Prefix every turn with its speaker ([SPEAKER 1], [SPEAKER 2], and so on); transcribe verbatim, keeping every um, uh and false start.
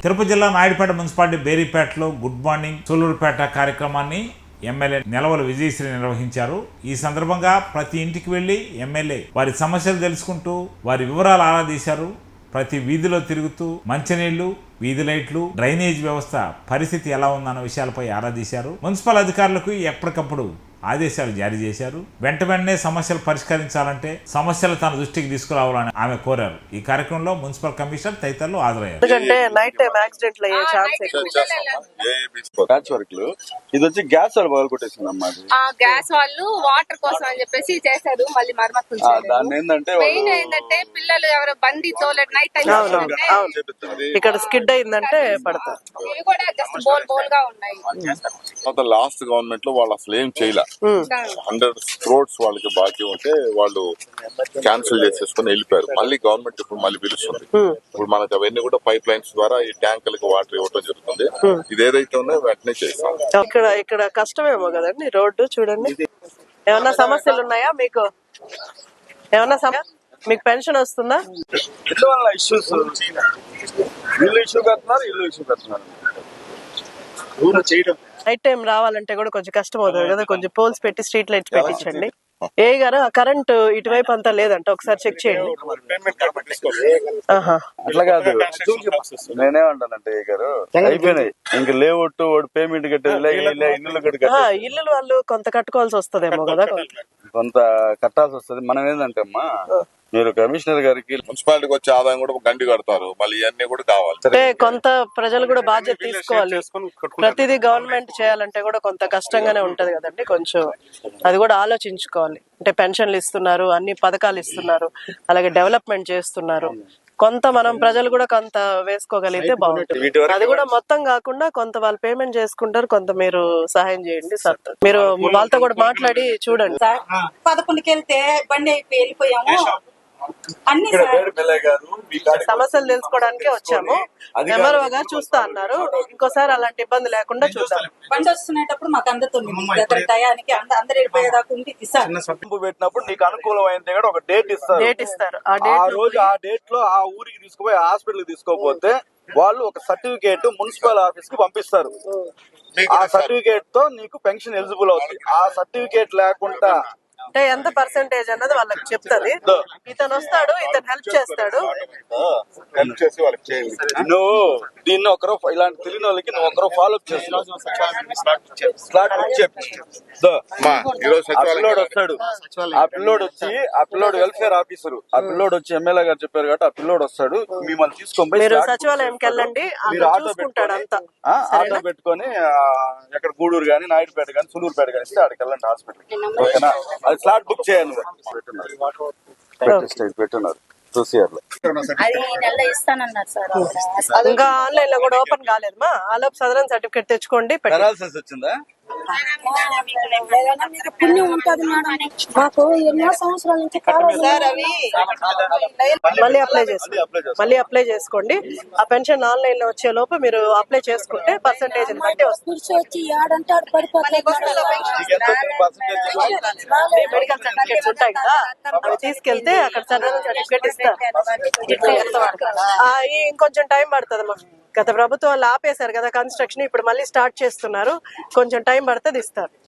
[SPEAKER 1] తిరుపతి జిల్లా నాయుడుపేట మున్సిపాలిటీ బేరీపేటలో good morning Sullurpeta కార్యక్రమాన్ని ఎమ్మెల్యే నెలవల విజయశ్రీ నిర్వహించారు. ఈ సందర్భంగా ప్రతి ఇంటికి వెళ్లి ఎమ్మెల్యే వారి సమస్యలు తెలుసుకుంటూ వారి వివరాలు ఆరాధీశారు. ప్రతి వీధిలో తిరుగుతూ మంచినీళ్లు, వీధి లైట్లు, డ్రైనేజ్ వ్యవస్థ పరిస్థితి ఎలా ఉందన్న విషయాలపై ఆరాధీశారు. మున్సిపల్ అధికారులకు ఎప్పటికప్పుడు ఆదేశాలు జారీ చేశారు. వెంట వెంటనే సమస్యలు పరిష్కరించాలంటే సమస్యలు తన దృష్టికి తీసుకురావాలని ఆమె కోరారు. ఈ కార్యక్రమంలో మున్సిపల్ కమిషనర్ తదితరులు హాజరయ్యారు.
[SPEAKER 2] ఇది వచ్చి గ్యాస్ వాళ్ళు పగలు కొట్టేసిందమ్మా.
[SPEAKER 3] గ్యాస్ వాళ్ళు వాటర్ కోసం అని చెప్పేసి చేశారు. మళ్ళీ మరమ్మతులు
[SPEAKER 2] దాన్ని ఏంటంటే
[SPEAKER 3] మెయిన్ ఏంటంటే పిల్లలు ఎవరు బండి తోలెట్ నైట్ టైం
[SPEAKER 4] ఇక్కడ స్కిడ్ అయిందంటే పడతారు.
[SPEAKER 3] ఇవి కూడా జస్ట్ బోల్ బోల్ గా ఉన్నాయి.
[SPEAKER 2] లాస్ట్ గవర్నమెంట్ లో వాళ్ళు అసలు ఏం చేయలే. హండ్రెడ్ క్రోడ్స్ వాళ్ళకి బాకీ ఉంటే వాళ్ళు క్యాన్సిల్ చేసేసుకుని వెళ్ళిపోయారు. మళ్ళీ గవర్నమెంట్ ఇప్పుడు మళ్ళీ పిలుస్తుంది. ఇప్పుడు మనకు అవన్నీ కూడా పైప్ లైన్స్ ద్వారా ఈ ట్యాంకులకు వాటర్ ఇవ్వడం జరుగుతుంది. ఇది ఏదైతే ఉందో వెంటనే చేస్తాం.
[SPEAKER 4] ఇక్కడ ఇక్కడ కష్టమేమో కదండి రోడ్డు చూడండి. ఏమన్నా సమస్యలు ఉన్నాయా మీకు? ఏమన్నా మీకు పెన్షన్ వస్తుందా?
[SPEAKER 2] ఇల్లు వల్ల ఇష్యూస్ ఇల్లు ఇష్యూ కడుతున్నారు ఇల్లు ఇష్యూ కడుతున్నారు
[SPEAKER 4] నైట్ టైం రావాలంటే కూడా కొంచెం కష్టం అవుతుంది కదా. కొంచెం పోల్స్ పెట్టి స్ట్రీట్ లైట్స్ పెట్టించండి. ఏ గారు ఆ కరెంట్ ఇటువైపు అంతా లేదంట, ఒకసారి చెక్ చేయండి.
[SPEAKER 2] అట్లా కాదు, నేనేమంటానంటే ఏ గారు అయిపోయినాయి ఇంకా లేవట్టు వాడు పేమెంట్ కట్టేది
[SPEAKER 4] ఇల్లు వాళ్ళు కొంత కట్టుకోవాల్సి వస్తుందేమో కదా,
[SPEAKER 2] కొంత కట్టాల్సి వస్తుంది. మనం ఏంటంటే అమ్మా మీరు కమిషనర్ గారికి మున్సిపాలిటీకి వచ్చే ఆదాయం కూడా గండి కడతారు, మళ్ళీ ఇవన్నీ కూడా కావాలి.
[SPEAKER 4] అంటే కొంత ప్రజలు కూడా బాధ్యత తీసుకోవాలి. ప్రతిదీ గవర్నమెంట్ చేయాలంటే కూడా కొంత కష్టంగానే ఉంటది కదండి. కొంచెం అది కూడా ఆలోచించుకోవాలి. అంటే పెన్షన్లు ఇస్తున్నారు, అన్ని పథకాలు ఇస్తున్నారు, అలాగే డెవలప్మెంట్ చేస్తున్నారు. కొంత మనం ప్రజలు కూడా కొంత వేసుకోగలిగితే బాగుంటుంది. అది కూడా మొత్తం కాకుండా కొంత వాళ్ళు పేమెంట్ చేసుకుంటారు, కొంత మీరు సహాయం చేయండి సార్. మీరు వాళ్ళతో కూడా మాట్లాడి చూడండి.
[SPEAKER 5] పదకొండుకి వెళ్తే బండి అయిపోయి వెళ్ళిపోయాము. అన్ని
[SPEAKER 4] సమస్యలు తెలుసుకోవడానికే వచ్చాము. ఎంఆర్ఓ గారు చూస్తా అన్నారు. ఇంకోసారి అలాంటి ఇబ్బంది లేకుండా చూస్తాం.
[SPEAKER 5] బండి వస్తున్నప్పుడు మాకు అందుతుంది టయానికి అందరు వెళ్ళిపోయేదాకా ఉండి
[SPEAKER 2] పెట్టినప్పుడు నీకు అనుకూలమైంది కూడా ఒక డేట్ ఇస్తారు.
[SPEAKER 4] డేట్ ఇస్తారు.
[SPEAKER 2] ఆ రోజు ఆ డేట్ లో ఆ ఊరికి తీసుకుపోయి హాస్పిటల్ తీసుకోపోతే వాళ్ళు ఒక సర్టిఫికేట్ మున్సిపల్ ఆఫీస్ కి పంపిస్తారు. ఆ సర్టిఫికేట్ తో నీకు పెన్షన్ ఎలిజిబుల్ అవుతుంది. ఆ సర్టిఫికేట్ లేకుండా
[SPEAKER 4] అంటే ఎంత పర్సెంటేజ్ అన్నది వాళ్ళకి చెప్తుంది. ఇతను వస్తాడు, ఇతను హెల్ప్ చేస్తాడు.
[SPEAKER 2] నువ్వు దీన్ని ఒకరో ఇలాంటి తెలియని వాళ్ళకి నువ్వు ఒకరో ఫాలో అప్ చేస్తున్నావు. స్లాట్ బుక్ చెప్పి ఆ పిల్లోడు వస్తాడు. ఆ పిల్లోడు వచ్చి ఆ పిల్లోడు వెల్ఫేర్ ఆఫీసర్, ఆ పిల్లోడు వచ్చి ఎమ్మెల్యే గారు చెప్పారు కాబట్టి ఆ పిల్లోడు వస్తాడు. మిమ్మల్ని తీసుకొని
[SPEAKER 4] మీరు సచివాలయంకి వెళ్ళండి.
[SPEAKER 2] మీరు ఆటో పెట్టుకుంటాడు అంతా ఆటో పెట్టుకొని ఎక్కడ గూడూరు గానీ నాయుడుపేట గానీ సులూరుపేట కానీ ఇస్తే ఆడికి వెళ్ళండి హాస్పిటల్. ఓకేనా? అది స్లాట్ బుక్ చేయాలి. పెట్టున్నారు చూసియారు.
[SPEAKER 4] ఇంకా ఆన్లైన్ లో కూడా ఓపెన్ కాలేదమ్మా. ఆలోపు సదరన్ సర్టిఫికేట్ తెచ్చుకోండి.
[SPEAKER 2] పెట్టాల్సి వచ్చిందా?
[SPEAKER 5] పుణ్యం ఉంటుంది మేడం. మాకు ఎన్నో సంవత్సరాల నుంచి
[SPEAKER 4] మళ్ళీ అప్లై చేసుకోండి. మళ్ళీ అప్లై చేసుకోండి. ఆ పెన్షన్ ఆన్లైన్ లో వచ్చే లోపు మీరు అప్లై చేసుకుంటే పర్సంటేజ్ బట్టి వస్తుంది.
[SPEAKER 5] వచ్చి ఏడంటే
[SPEAKER 4] మెడికల్ సర్టిఫికేట్స్ ఉంటాయి కదా, అవి తీసుకెళ్తే అక్కడ సదరన్ సర్టిఫికేట్ ఇస్తారు. ఇంకొంచెం టైం పడుతుంది. గత ప్రభుత్వం వాళ్ళు ఆపేశారు కదా కన్స్ట్రక్షన్, ఇప్పుడు మళ్ళీ స్టార్ట్ చేస్తున్నారు. కొంచెం టైం పడుతుంది, ఇస్తారు.